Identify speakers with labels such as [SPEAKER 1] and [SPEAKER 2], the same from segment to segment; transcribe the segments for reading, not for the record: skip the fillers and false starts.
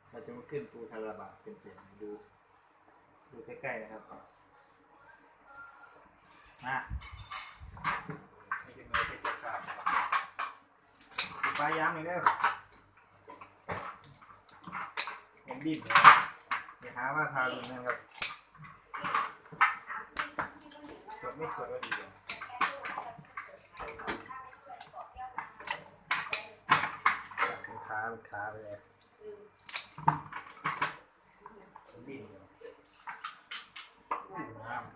[SPEAKER 1] เราจะมาขึ้นปูทาราบะเป็นดูใกล้ๆนะครับมาไม่จะเนื้อเป็นจะขาดปลายางหน่อยเด้อเห็นดิบอย่าหาว่าทารุณนะครับสดไม่สดก็ดีเลยเป็นขาไปเลยดินน้ำ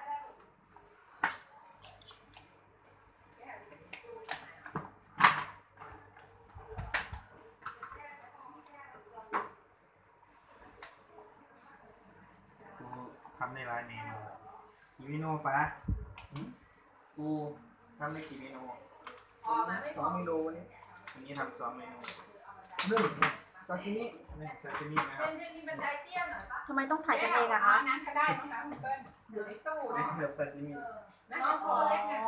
[SPEAKER 1] ทำในหลายเมนูกี่เมนูปะกูทำได้กี่เมนู2 เมนูวันนี้ทำ2 เมนู1 ซาซิมินะครับ
[SPEAKER 2] ทำไมต้องถ่ายกันเองอะคะ
[SPEAKER 3] นั้นก็ได้น้องสาวคุณเปิ้ลอยู่ในตู้
[SPEAKER 1] นี่
[SPEAKER 3] เนาะ
[SPEAKER 1] แบบซาซิมิ
[SPEAKER 3] น้องตัวเล็กเนี่ย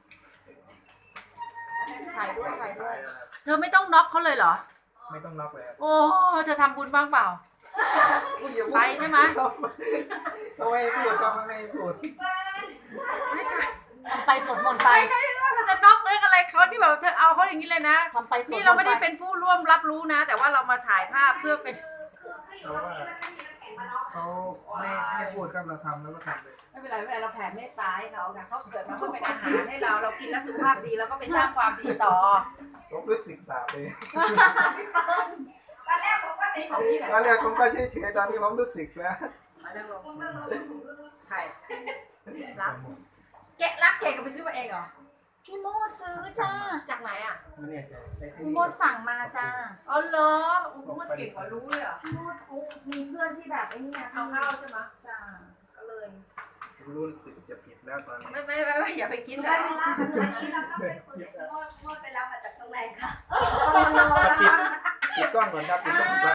[SPEAKER 2] ถ่ายด้วย
[SPEAKER 4] เธอไม่ต้องน็อกเขาเลยเหรอ
[SPEAKER 1] ไม่ต้องน็อกเลย
[SPEAKER 4] โอ้เธอทำบุญบ้างเปล่า ไปใช่ไหม
[SPEAKER 1] เขาไม่ให้พูดก็ไม่ให้พูด
[SPEAKER 4] ไม่ใช่
[SPEAKER 2] ทำไปสวดมนต์ไป
[SPEAKER 4] ไม่ใช่ว่าเธอจะน็อกเรื่องอะไรเขาที่แบบเธอเอาเขาอย่างนี้เลยนะ
[SPEAKER 2] ทำไปสวดมนต์
[SPEAKER 4] นี่เราไม่ได้เป็นผู้ร่วมรับรู้นะ แต่ว่าเรามาถ่ายภาพเพื่อเป็น
[SPEAKER 1] เพราะว่าเขาไม่ให้พูดครับเราทำแล้วก็ทำเลย
[SPEAKER 4] ไม่เป็นไรเราแผ่เมตตาให้เขาค่ะเขาเกิดมาเพื่อเป็นอาหารให้เรากินแล้วสุขภาพดีแล้วก็ไปสร้างความดีต่อ
[SPEAKER 1] ผมรู้สึกบาปเลย
[SPEAKER 3] ตอนแรกผมก็เฉย
[SPEAKER 4] ของที่ไหน
[SPEAKER 1] ตอนแรกผมก็เฉยๆตอนนี้ผมรู้สึกแล้ว
[SPEAKER 4] มาแล้วใครรักแกะรักแกก็ไปซื้อมาเองเหรอ
[SPEAKER 2] พี่โมดซื้อจ้า
[SPEAKER 4] จากไหนอ่ะ
[SPEAKER 1] ไม่แน่ใจใช่ไหม
[SPEAKER 2] พี่โมดสั่งมาจ้า
[SPEAKER 4] อ๋อเหรออุ้มเก่งกว่ารู้เลยเหรอ
[SPEAKER 2] พี่โมดเขามีเพื่อนที่แบบไอ้นี่
[SPEAKER 4] เอาเข้าใช่ไหม
[SPEAKER 2] จ้าก็เลย
[SPEAKER 1] ผมรู้สึกจะผิดแล้วตอนนี้
[SPEAKER 4] ไม่อย่าไปกิน
[SPEAKER 3] ๆ
[SPEAKER 4] เล
[SPEAKER 3] ได้
[SPEAKER 4] ย
[SPEAKER 3] เวลาอันนี้เราต้องเป็นคนโทษไปรับมาจากตรงไหนคะ
[SPEAKER 1] ปิดกล้องก่อนครับปิดกล้องก่อน